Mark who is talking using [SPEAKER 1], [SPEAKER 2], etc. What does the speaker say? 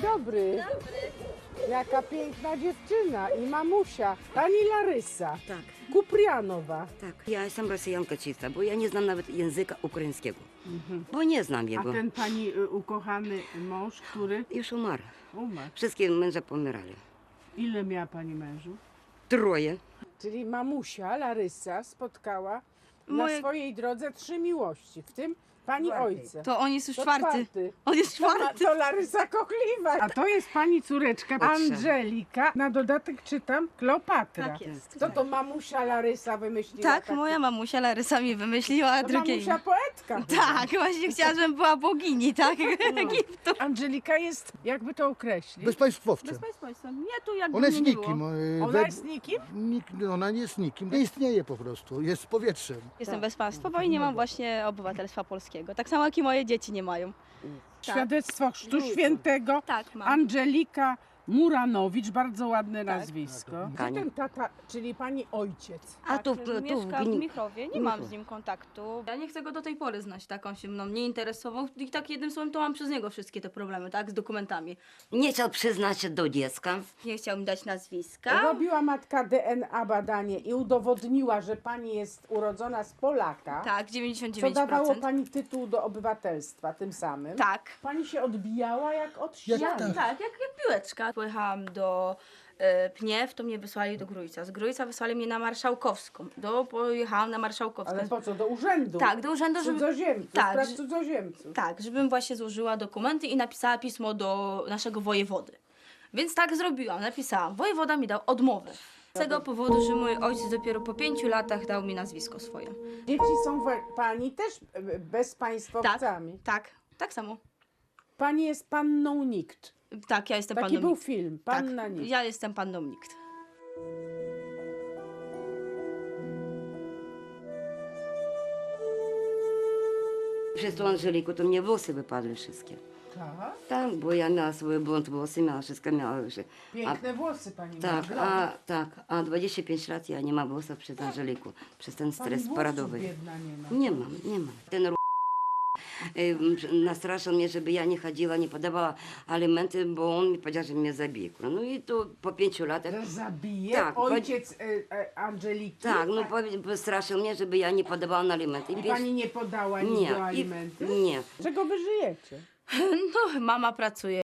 [SPEAKER 1] dobry. Jaka piękna dziewczyna i mamusia. Pani Larysa
[SPEAKER 2] Tak,
[SPEAKER 1] Kuprianowa.
[SPEAKER 2] tak. Ja jestem Rosjanka czysta, bo ja nie znam nawet języka ukraińskiego. Bo nie znam
[SPEAKER 1] A
[SPEAKER 2] jego.
[SPEAKER 1] ten pani ukochany mąż, który
[SPEAKER 2] Już umarł.
[SPEAKER 1] umarł.
[SPEAKER 2] Wszystkie męże pomierali.
[SPEAKER 1] Ile miała pani mężów?
[SPEAKER 2] 3.
[SPEAKER 1] Czyli mamusia Larysa spotkała na
[SPEAKER 3] Moje-
[SPEAKER 1] swojej drodze 3 miłości, w tym pani ojca.
[SPEAKER 3] To on jest już
[SPEAKER 1] To
[SPEAKER 3] czwarty. On jest czwarty.
[SPEAKER 1] To Larysa Kochliwa. A to jest pani córeczka Angelika. Na dodatek czytam Kleopatra.
[SPEAKER 3] Tak jest.
[SPEAKER 1] Co to mamusia Larysa wymyśliła?
[SPEAKER 3] Tak,
[SPEAKER 1] takie?
[SPEAKER 3] moja mamusia Larysa mi wymyśliła, a
[SPEAKER 1] To
[SPEAKER 3] drugie
[SPEAKER 1] mamusia
[SPEAKER 3] imię.
[SPEAKER 1] poetka.
[SPEAKER 3] Tak, właśnie chciała, żebym była bogini, tak? Egiptu.
[SPEAKER 1] Angelika jest, jakby to określić.
[SPEAKER 4] Bezpaństwowcem.
[SPEAKER 3] Nie tu jakby
[SPEAKER 4] Ona
[SPEAKER 3] mnie
[SPEAKER 4] jest
[SPEAKER 3] nie
[SPEAKER 4] nikim.
[SPEAKER 3] było.
[SPEAKER 1] Ona jest nikim?
[SPEAKER 4] Ona nie jest nikim. Nie istnieje po prostu. Jest powietrzem.
[SPEAKER 3] Jestem bezpaństwowa i nie mam właśnie obywatelstwa polskiego. Tak samo jak i moje dzieci nie mają.
[SPEAKER 1] Świadectwo Chrztu Świętego.
[SPEAKER 3] Tak, mam.
[SPEAKER 1] Angelika Muranowicz, bardzo ładne nazwisko. Gdzie
[SPEAKER 2] Pani.
[SPEAKER 1] ten tata, czyli pani ojciec?
[SPEAKER 2] A tu,
[SPEAKER 3] Mieszka w
[SPEAKER 2] Gni-
[SPEAKER 3] Michrowie, nie mam z nim kontaktu. Ja nie chcę go do tej pory znać, tak on się mną nie interesował i tak jednym słowem to mam przez niego wszystkie te problemy, tak, z dokumentami.
[SPEAKER 2] nie chciał przyznać się do dziecka.
[SPEAKER 3] Nie chciał mi dać nazwiska.
[SPEAKER 1] Robiła matka DNA badanie i udowodniła, że pani jest urodzona z Polaka,
[SPEAKER 3] Tak,
[SPEAKER 1] co
[SPEAKER 3] 99%.
[SPEAKER 1] dawało pani tytuł do obywatelstwa tym samym.
[SPEAKER 3] Tak.
[SPEAKER 1] Pani się odbijała jak od
[SPEAKER 4] Jak
[SPEAKER 1] ściany.
[SPEAKER 3] Tak, jak piłeczka. Pojechałam do Pniew, to mnie wysłali do Grójca. Z Grójca wysłali mnie na Marszałkowską. Pojechałam na Marszałkowską.
[SPEAKER 1] Ale po co? Do urzędu?
[SPEAKER 3] Tak, do urzędu, żeby...
[SPEAKER 1] Cudzoziemców,
[SPEAKER 3] Tak,
[SPEAKER 1] spraw
[SPEAKER 3] że-
[SPEAKER 1] cudzoziemców.
[SPEAKER 3] Tak, żebym właśnie złożyła dokumenty i napisała pismo do naszego wojewody. Więc tak zrobiłam, napisałam. Wojewoda mi dał odmowę. Z tego powodu, że mój ojciec dopiero po 5 latach dał mi nazwisko swoje.
[SPEAKER 1] Dzieci są pani też bezpaństwowcami.
[SPEAKER 3] Tak samo.
[SPEAKER 1] Pani jest panną nikt.
[SPEAKER 3] Tak, ja jestem
[SPEAKER 1] Taki
[SPEAKER 3] panną
[SPEAKER 1] był
[SPEAKER 3] nikt.
[SPEAKER 1] film,
[SPEAKER 3] Tak,
[SPEAKER 1] Panna nikt.
[SPEAKER 3] ja jestem panną nikt.
[SPEAKER 2] Przez tą Angeliku to mnie włosy wypadły wszystkie.
[SPEAKER 1] Tak?
[SPEAKER 2] Tak, bo ja miała swoje blond włosy, miała wszystko, miała już.
[SPEAKER 1] Piękne włosy pani
[SPEAKER 2] Tak,
[SPEAKER 1] ma.
[SPEAKER 2] a 25 lat ja nie mam włosów przez Angeliku, przez ten
[SPEAKER 1] Pani
[SPEAKER 2] stres
[SPEAKER 1] włosów
[SPEAKER 2] paradowy.
[SPEAKER 1] biedna nie ma.
[SPEAKER 2] Nie mam. Ten nastraszał mnie, żeby ja nie chodziła, nie podawała alimenty, bo on mi powiedział, że mnie zabije. No i to po 5 latach,
[SPEAKER 1] Że zabije
[SPEAKER 2] Tak,
[SPEAKER 1] ojciec Angeliki?
[SPEAKER 2] tak, no straszył mnie, żeby ja nie podawała na alimenty.
[SPEAKER 1] I pani nie podała nic do alimenty?
[SPEAKER 2] Nie.
[SPEAKER 1] Czego wy żyjecie?
[SPEAKER 3] No, mama pracuje.